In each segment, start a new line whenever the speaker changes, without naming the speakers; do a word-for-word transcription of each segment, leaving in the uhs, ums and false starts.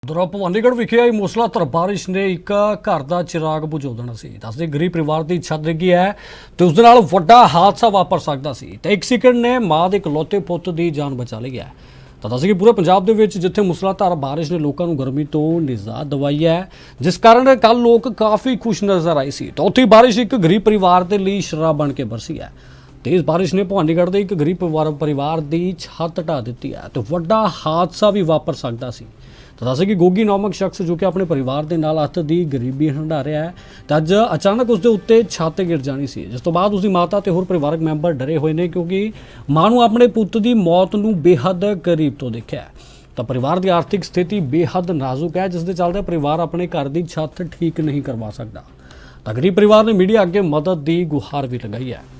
ਦੌਰਾ ਭਵਾਨੀਗੜ੍ਹ ਵਿਖੇ ਆਈ ਮੂਸਲਾਧਾਰ ਬਾਰਿਸ਼ ਨੇ ਇੱਕ ਘਰ ਦਾ ਚਿਰਾਗ ਬੁਝਾ ਦੇਣਾ ਸੀ। ਦੱਸਦੇ ਗਰੀਬ ਪਰਿਵਾਰ ਦੀ ਛੱਤ ਡਿੱਗੀ ਹੈ ਤੇ ਉਸ ਦੇ ਨਾਲ ਵੱਡਾ ਹਾਦਸਾ ਵਾਪਰ ਸਕਦਾ ਸੀ ਤੇ ਇੱਕ ਸੈਕਿੰਡ ਨੇ ਮਾਂ ਦੇ ਇਕਲੌਤੇ ਪੁੱਤ ਦੀ ਜਾਨ ਬਚਾ ਲਈ ਹੈ। ਤਾਂ ਦੱਸਦੇ ਕਿ ਪੂਰੇ ਪੰਜਾਬ ਦੇ ਵਿੱਚ ਜਿੱਥੇ ਮੂਸਲਾਧਾਰ ਬਾਰਿਸ਼ ਨੇ ਲੋਕਾਂ ਨੂੰ ਗਰਮੀ ਤੋਂ ਨਿਜਾਤ ਦਿਵਾਈ ਹੈ, ਜਿਸ ਕਾਰਨ ਕੱਲ ਲੋਕ ਕਾਫੀ ਖੁਸ਼ ਨਜ਼ਰ ਆਏ ਸੀ, ਤਾਂ ਉੱਥੇ ਬਾਰਿਸ਼ ਇੱਕ ਗਰੀਬ ਪਰਿਵਾਰ ਦੇ ਲਈ ਸ਼ਰਾਬ ਬਣ ਕੇ ਬਰਸੀ ਹੈ। तेज बारिश ने भवानीगढ़ के एक गरीब परिवार परिवार की छत ढा दी है तो वड्डा हादसा भी वापर सकता सी। तो दस कि गोगी नामक शख्स जो कि अपने परिवार के नाल हत्थ की गरीबी हंडा रहा है तो अज अचानक उसके उत्ते छत गिर जानी सी, जिस तो बाद उसकी माता ते होर परिवारक मैंबर डरे हुए ने क्योंकि मां नूं अपने पुत की मौत नूं बेहद करीब तो देखा है। तो परिवार की आर्थिक स्थिति बेहद नाजुक है, जिस दे चलदे परिवार अपने घर की छत ठीक नहीं करवा सकता। तो गरीब परिवार ने मीडिया अगे मदद की गुहार भी लगाई है।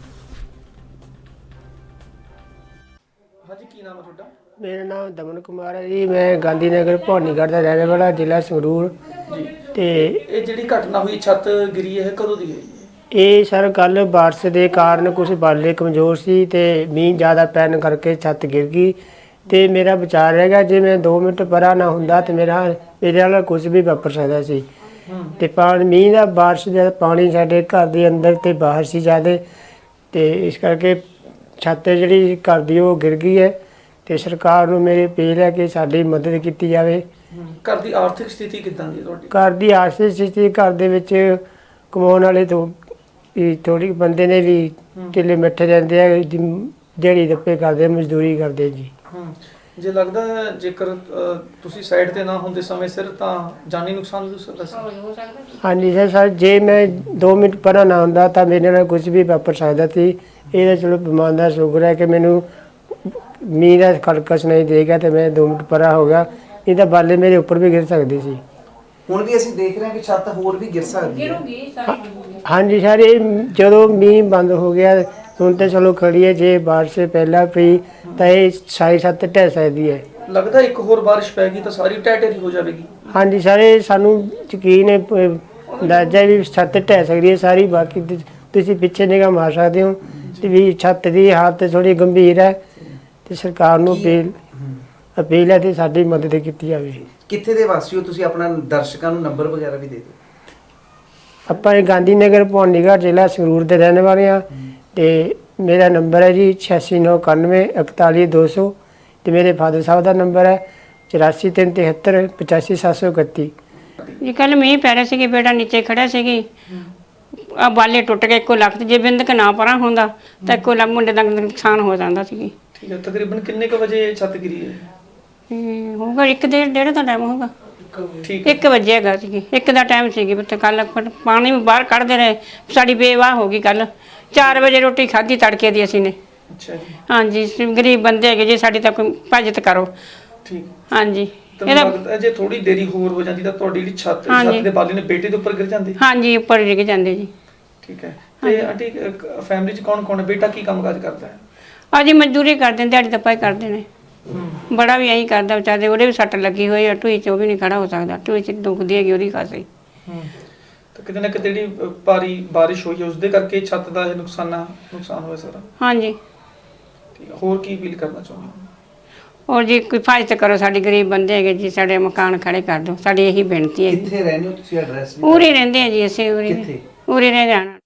मेरा नाम दमन कुमार है जी। मैं गांधी नगर भवानीगढ़ का रहने वाला, जिला संगरूर
जी।
ते
ਇਹ ਜਿਹੜੀ ਘਟਨਾ ਹੋਈ ਛੱਤ ਗਿਰੀ ਹੈ ਕਦੋਂ ਦੀ ਹੈ?
ਇਹ ਸਰ ਕੱਲ ਬਾਰਿਸ਼ ਦੇ ਕਾਰਨ ਕੁਝ ਬਾਲੇ ਕਮਜ਼ੋਰ ਸੀ ਤੇ ਮੀਂਹ ਜ਼ਿਆਦਾ ਪੈਣ ਕਰਕੇ ਛੱਤ ਗਿਰ ਗਈ ਤੇ ਮੇਰਾ ਵਿਚਾਰ ਹੈਗਾ ਜੇ ਮੈਂ ਦੋ ਮਿੰਟ ਪਰਾਂ ਨਾ ਹੁੰਦਾ ਤੇ ਮੇਰਾ ਮੇਰੇ ਨਾਲ ਕੁਝ ਵੀ ਵਾਪਰ ਸਕਦਾ ਸੀ। ਤੇ ਪਾਣੀ ਮੀਂਹ ਦਾ ਬਾਰਿਸ਼ ਦਾ ਪਾਣੀ ਸਾਡੇ ਘਰ ਦੇ ਅੰਦਰ ਤੇ ਬਾਹਰ ਸੀ ਜ਼ਿਆਦਾ, ਤੇ ਇਸ ਕਰਕੇ ਛੱਤ ਜਿਹੜੀ ਘਰ ਦੀ ਉਹ ਗਿਰ ਗਈ ਹੈ ਤੇ ਸਰਕਾਰ ਨੂੰ ਮੇਰੀ ਅਪੀਲ ਹੈ ਕਿ ਸਾਡੀ ਮਦਦ ਕੀਤੀ ਜਾਵੇ।
ਘਰ ਦੀ ਆਰਥਿਕ ਸਥਿਤੀ ਕਿੱਦਾਂ ਦੀ ਹੈ ਤੁਹਾਡੀ?
ਘਰ ਦੀ ਆਰਥਿਕ ਸਥਿਤੀ ਘਰ ਦੇ ਵਿੱਚ ਕਮਾਉਣ ਵਾਲੇ ਤੋਂ ਥੋੜੀ ਬੰਦੇ ਨੇ ਵੀ ਢਿੱਲੇ ਮਿੱਠੇ ਰਹਿੰਦੇ ਆ, ਜਿਹੜੀ ਦੱਪੇ ਕਰਦੇ, ਮਜ਼ਦੂਰੀ ਕਰਦੇ ਜੀ।
ਜੇ ਲੱਗਦਾ ਹੈ ਜੇਕਰ ਅ, ਤੁਸੀਂ ਸਾਈਡ ਤੇ ਨਾ ਹੁੰਦੇ ਸਮੇਂ ਸਿਰ ਤਾਂ ਜਾਨੀ ਨੁਕਸਾਨ ਵੀ ਹੋ ਸਕਦਾ ਸੀ।
ਹਾਂਜੀ ਸਰ ਸਰ ਜੇ ਮੈਂ ਦੋ ਮਿੰਟ ਪਰਾਂ ਨਾ ਹੁੰਦਾ ਤਾਂ ਮੇਰੇ ਨਾਲ ਕੁਝ ਵੀ ਵਾਪਰ ਸਕਦਾ ਸੀ। ਇਹਦਾ ਚਲੋ ਭਗਵਾਨ ਦਾ ਸ਼ੁਕਰ ਹੈ ਕਿ ਮੈਨੂੰ ਮੀਂਹ ਦਾ ਖੜਕਸ ਨਹੀਂ ਦੇਗਾ ਤੇ ਮੈਂ ਦੋ ਮਿੰਟ ਪਰਾਂ ਹੋ ਗਿਆ, ਇਹ ਤਾਂ ਬਾਲੇ ਮੇਰੇ ਉੱਪਰ ਵੀ ਗਿਰ ਸਕਦੇ ਸੀ।
ਹੁਣ ਵੀ ਅਸੀਂ ਦੇਖ ਰਹੇ ਹਾਂ ਕਿ ਛੱਤ ਹੋਰ ਵੀ ਗਿਰ ਸਕਦੀ ਹੈ।
ਹਾਂਜੀ ਸਰ, ਇਹ ਜਦੋਂ ਮੀਂਹ ਬੰਦ ਹੋ ਗਿਆ ਹੁਣ ਤਾਂ ਚਲੋ ਖੜੀ ਹੈ, ਜੇ ਬਾਰਿਸ਼ ਪਹਿਲਾਂ ਪਈ ਤਾਂ ਇਹ ਸਾਰੀ ਛੱਤ ਢਹਿ ਸਕਦੀ ਹੈ।
ਲੱਗਦਾ ਇੱਕ ਹੋਰ ਬਾਰਿਸ਼ ਪੈ ਗਈ ਤਾਂ ਸਾਰੀ ਢਹਿ ਢੇਰੀ ਹੋ ਜਾਵੇਗੀ।
ਹਾਂਜੀ ਸਰ, ਇਹ ਸਾਨੂੰ ਯਕੀਨ ਹੈ, ਅੰਦਾਜ਼ਾ ਵੀ ਛੱਤ ਢਹਿ ਸਕਦੀ ਹੈ ਸਾਰੀ। ਬਾਕੀ ਤੁ- ਤੁਸੀਂ ਪਿੱਛੇ ਨਿਗਾਹ ਮਾਰ ਸਕਦੇ ਹੋ ਤੇ ਵੀ ਛੱਤ ਦੀ ਹਾਲਤ ਥੋੜੀ ਗੰਭੀਰ ਹੈ ਤੇ ਸਰਕਾਰ ਨੂੰ ਅਪੀਲ ਅਪੀਲ ਹੈ ਤੇ ਸਾਡੀ ਮਦਦ ਕੀਤੀ ਜਾਵੇ।
ਕਿੱਥੇ ਦੇ ਵਾਸੀ ਹੋ ਤੁਸੀਂ? ਆਪਣਾ ਦਰਸ਼ਕਾਂ ਨੂੰ ਨੰਬਰ ਵਗੈਰਾ ਵੀ ਦੇ ਦਿਓ।
ਆਪਾਂ ਇਹ ਗਾਂਧੀ ਨਗਰ ਭਵਾਨੀਗੜ੍ਹ ਜ਼ਿਲ੍ਹਾ ਸੰਗਰੂਰ ਦੇ ਰਹਿਣ ਵਾਲੇ ਹਾਂ ਤੇ ਮੇਰਾ ਨੰਬਰ ਹੈ ਜੀ ਛਿਆਸੀ ਨੌ ਇਕਾਨਵੇਂ ਇਕਤਾਲੀ ਦੋ ਸੌ ਤੇ ਮੇਰੇ ਫਾਦਰ ਸਾਹਿਬ ਦਾ ਨੰਬਰ ਹੈ ਚੁਰਾਸੀ ਤਿੰਨ ਤਿਹੱਤਰ ਪਚਾਸੀ ਸੱਤ ਸੌ ਇਕੱਤੀ।
ਜੀ ਕੱਲ ਮੀਂਹ ਪੈ ਰਿਹਾ ਸੀ, ਬੇਟਾ ਨੀਚੇ ਖੜਾ ਸੀਗੀ, ਆ ਬਾਲੇ ਟੁੱਟ ਗਏ ਇੱਕੋ ਲੱਖ, ਜੇ ਬਿੰਦਕ ਨਾ ਪਰਾਂ ਹੁੰਦਾ ਤਾਂ ਇੱਕੋ ਲੱਖ ਮੁੰਡੇ ਦਾ ਨੁਕਸਾਨ ਹੋ ਜਾਂਦਾ ਸੀ।
ਠੀਕ ਹੈ, ਤਕਰੀਬਨ ਕਿੰਨੇ ਕੁ ਵਜੇ ਛੱਤ ਗਿਰੀ ਹੈ?
ਤੇ ਹੋਊਗਾ ਇੱਕ ਡੇਢ ਡੇਢ ਦਾ ਟਾਈਮ ਹੋਊਗਾ,
ਠੀਕ ਹੈ।
ਇੱਕ ਵਜੇ ਹੈਗਾ ਸੀ, ਇੱਕ ਦਾ ਟਾਈਮ ਸੀਗੀ। ਬੱਤੇ ਕੱਲ ਪਾਣੀ ਵੀ ਬਾਹਰ ਕੱਢਦੇ ਰਹੇ, ਸਾਡੀ ਬੇਵਾਹ ਹੋ ਗਈ। ਕੱਲ ਚਾਰ ਵਜੇ ਰੋਟੀ ਖਾਧੀ ਤੜਕੇ ਦੀ ਅਸੀਂ ਨੇ।
ਅੱਛਾ ਜੀ।
ਹਾਂਜੀ, ਅਸੀਂ ਗਰੀਬ ਬੰਦੇ ਹੈਗੇ ਜੀ, ਸਾਡੀ ਤਾਂ ਕੋਈ ਭਾਜਤ ਕਰੋ।
ਠੀਕ।
ਹਾਂਜੀ,
ਇਹਦਾ ਲੱਗਦਾ ਜੇ ਥੋੜੀ ਦੇਰੀ ਹੋਰ ਹੋ ਜਾਂਦੀ ਤਾਂ ਤੁਹਾਡੀ ਜਿਹੜੀ ਛੱਤ ਛੱਤ ਦੇ ਬਾਲੇ ਨੇ ਬੇਟੇ ਦੇ ਉੱਪਰ ਗਿਰ ਜਾਂਦੀ।
ਹਾਂਜੀ, ਉੱਪਰ ਡਿੱਗ ਜਾਂਦੇ ਜੀ।
ਠੀਕ ਹੈ। ਤੇ ਆਂਟੀ ਫੈਮਿਲੀ 'ਚ ਕੌਣ ਕੌਣ ਹੈ? ਬੇਟਾ ਕੀ ਕੰਮਕਾਜ ਕਰਦਾ ਹੈ?
ਹਾਂਜੀ, ਮਜ਼ਦੂਰੀ ਕਰਦੇ ਨੇ, ਦਿਹਾੜੀ ਦੱਪਾ ਹੀ ਕਰਦੇ ਨੇ। ਬੜਾ ਵੀ ਐਂ ਕਰਦਾ ਵਿਚਾਰੇ, ਉਹਦੇ ਵੀ ਸੱਟ ਲੱਗੀ ਹੋਈ ਆ ਢੂਈ 'ਚ, ਉਹ ਵੀ ਨਹੀਂ ਖੜਾ ਹੋ ਸਕਦਾ, ਢੂਈ 'ਚ ਦੁਖਦੀ ਹੈਗੀ ਉਹਦੀ ਖਾਸੀ।
ਤਾਂ ਕਿਤੇ ਨਾ ਕਿਤੇ ਜਿਹੜੀ ਅ, ਭਾਰੀ ਬਾਰਿਸ਼ ਹੋਈ ਹੈ ਉਸਦੇ ਕਰਕੇ ਛੱਤ ਦਾ ਇਹ ਨੁਕਸਾਨ ਨੁਕਸਾਨ ਹੋਇਆ ਸਾਰਾ।
ਹਾਂਜੀ।
ਠੀਕ ਹੈ, ਹੋਰ ਕੀ ਅਪੀਲ ਕਰਨਾ ਚਾਹੁੰਦੇ ਹੋ?
ਔਰ ਜੀ ਕੋਈ ਫਾਇਦਾ ਕਰੋ, ਸਾਡੇ ਗਰੀਬ ਬੰਦੇ ਹੈਗੇ ਜੀ, ਸਾਡੇ ਮਕਾਨ ਖੜੇ ਕਰ ਦਿਓ, ਸਾਡੀ ਇਹੀ ਬੇਨਤੀ ਹੈ।
ਕਿੱਥੇ ਰਹਿੰਦੇ ਹੋ ਤੁਸੀਂ? ਐਡਰੈਸ ਵੀ
ਉਰੇ ਰਹਿੰਦੇ ਆ ਜੀ ਅਸੀਂ, ਉਰੇ
ਕਿੱਥੇ?
ਉਰੇ ਰਹਿ ਜਾਣਾ।